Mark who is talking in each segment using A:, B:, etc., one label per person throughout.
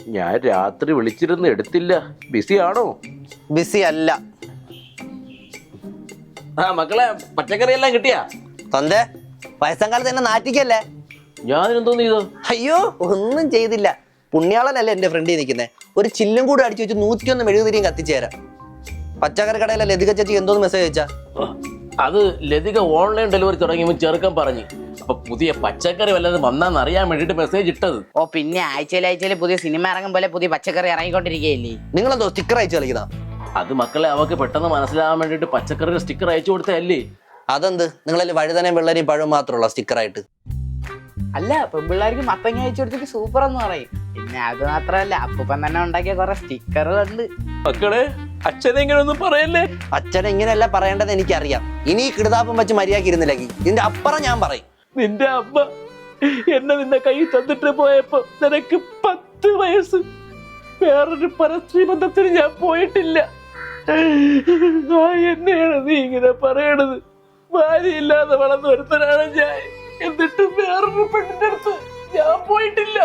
A: ഞാൻ രാത്രി വിളിച്ചിരുന്ന് എടുത്തില്ല. ബിസി ആണോ?
B: ബിസി അല്ല.
A: മക്കളെ പച്ചക്കറി എല്ലാം കിട്ടിയാ?
B: തൊന്തേ വയസ്സാം കാലത്ത് എന്നെ നാറ്റിക്കല്ലേ.
A: ഞാൻ എന്തോന്ന് ചെയ്തു?
B: അയ്യോ ഒന്നും ചെയ്തില്ല. പുണ്യാളനല്ലേ എന്റെ ഫ്രണ്ടിൽ നിൽക്കുന്നത്. ഒരു ചില്ലും കൂടെ അടിച്ചു വെച്ച് 101 മെഴുകുതിരിയും കത്തിച്ചേരാം. പച്ചക്കറി കടയിലെ ലതിക ചേച്ചി എന്തോന്ന് മെസ്സേജ് അയച്ചാ?
A: അത് ലതിക ഓൺലൈൻ ഡെലിവറി തുടങ്ങിയപ്പോൾ ചെറുക്കൻ പറഞ്ഞു. അപ്പൊ പുതിയ പച്ചക്കറി വല്ലതും വന്നാന്ന് അറിയാൻ വേണ്ടിട്ട് മെസ്സേജ് ഇട്ടത്.
C: ഓ പിന്നെ ആഴ്ചയിൽ പുതിയ സിനിമ ഇറങ്ങും പോലെ പുതിയ പച്ചക്കറി ഇറങ്ങിക്കൊണ്ടിരിക്കുകയല്ലേ.
B: നിങ്ങളെന്തോ സ്റ്റിക്കർ അയച്ചു കളിക്കുന്ന?
A: അത് മക്കളെ അവക്ക് പെട്ടെന്ന് മനസ്സിലാവാൻ വേണ്ടിട്ട് പച്ചക്കറിയുടെ സ്റ്റിക്കർ അയച്ചു കൊടുത്തല്ലേ.
B: അതെന്ത് നിങ്ങളിൽ വഴുതനയും വെള്ളരിയും പഴവും മാത്രമുള്ള സ്റ്റിക്കറായിട്ട്?
C: അല്ല പെൺപിള്ളേർക്ക് മത്തങ്ങ അയച്ചു കൊടുത്തിട്ട് സൂപ്പർ എന്ന് പറയും. പിന്നെ അത് മാത്രമല്ല അപ്പൂപ്പൻ തന്നെ ഉണ്ടാക്കിയ കുറെ സ്റ്റിക്കറുകളുണ്ട്.
A: മക്കളെ അച്ഛനെങ്ങനെ ഒന്നും പറയല്ലേ.
B: അച്ഛനെ ഇങ്ങനെയല്ല പറയേണ്ടത് എനിക്കറിയാം. ഇനി ഈ കിടുതാപ്പം വെച്ച് മര്യാദ ഇരുന്നില്ലെങ്കിൽ ഇതിന്റെ അപ്പുറം ഞാൻ പറയും.
A: നിന്റെ അമ്മ എന്നെ നിന്റെ കൈ തന്നിട്ട് പോയപ്പോ നിനക്ക് 10 വയസ്സ്. വേറൊരു പരസ്ത്രീ ബന്ധത്തിന് ഞാൻ പോയിട്ടില്ല. എന്നെയാണ് നീ ഇങ്ങനെ പറയണത്? ഭാര്യയില്ലാതെ വളർന്നു ഒരുത്തനാണ് ഞാൻ. എന്നിട്ട് വേറൊരു പെണ്ണിന്റെ അടുത്ത് ഞാൻ പോയിട്ടില്ല.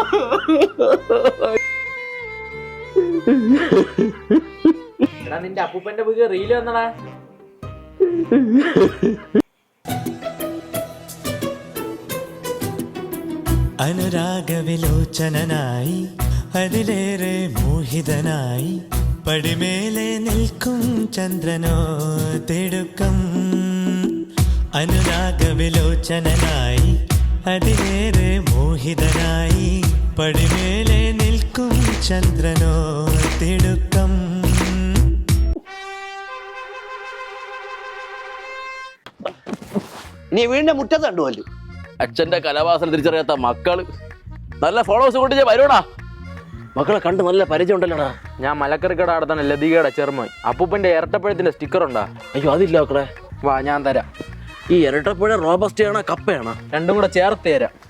D: നിന്റെ അപ്പൂപ്പന്റെ പുതിയ റീല് വന്നടാ.
E: അനുരാഗവിലോചനായി അതിലേറെ മോഹിതനായി പടിമേലെ നിൽക്കും ചന്ദ്രനോ തിടുക്കം. അനുരാഗവിലോചനായി അതിലേറെ മോഹിതനായി പടിമേലെ നിൽക്കും ചന്ദ്രനോ തിടുക്കം.
B: ഇനി വീടിന്റെ മുറ്റത്ത് കണ്ടുപോലും
A: അച്ഛന്റെ കലാവാസന തിരിച്ചറിയാത്ത മക്കള്. നല്ല ഫോളോവേഴ്സ് കൊണ്ട് ഞാൻ വരൂടാ. മക്കളെ കണ്ട് നല്ല പരിചയം ഉണ്ടല്ലോടാ.
D: ഞാൻ മലക്കറിക്കട അടുത്താണ് ലതികയുടെ ചെറുമോൻ. അപ്പൂപ്പന്റെ ഇരട്ടപ്പഴത്തിന്റെ സ്റ്റിക്കർ ഉണ്ടാ?
A: അയ്യോ അതില്ല മക്കളെ.
D: വാ ഞാൻ തരാം.
A: ഈ ഇരട്ടപ്പഴ റോബസ്റ്റയാണോ കപ്പയാണോ?
D: രണ്ടും കൂടെ ചേർത്ത് തരാം.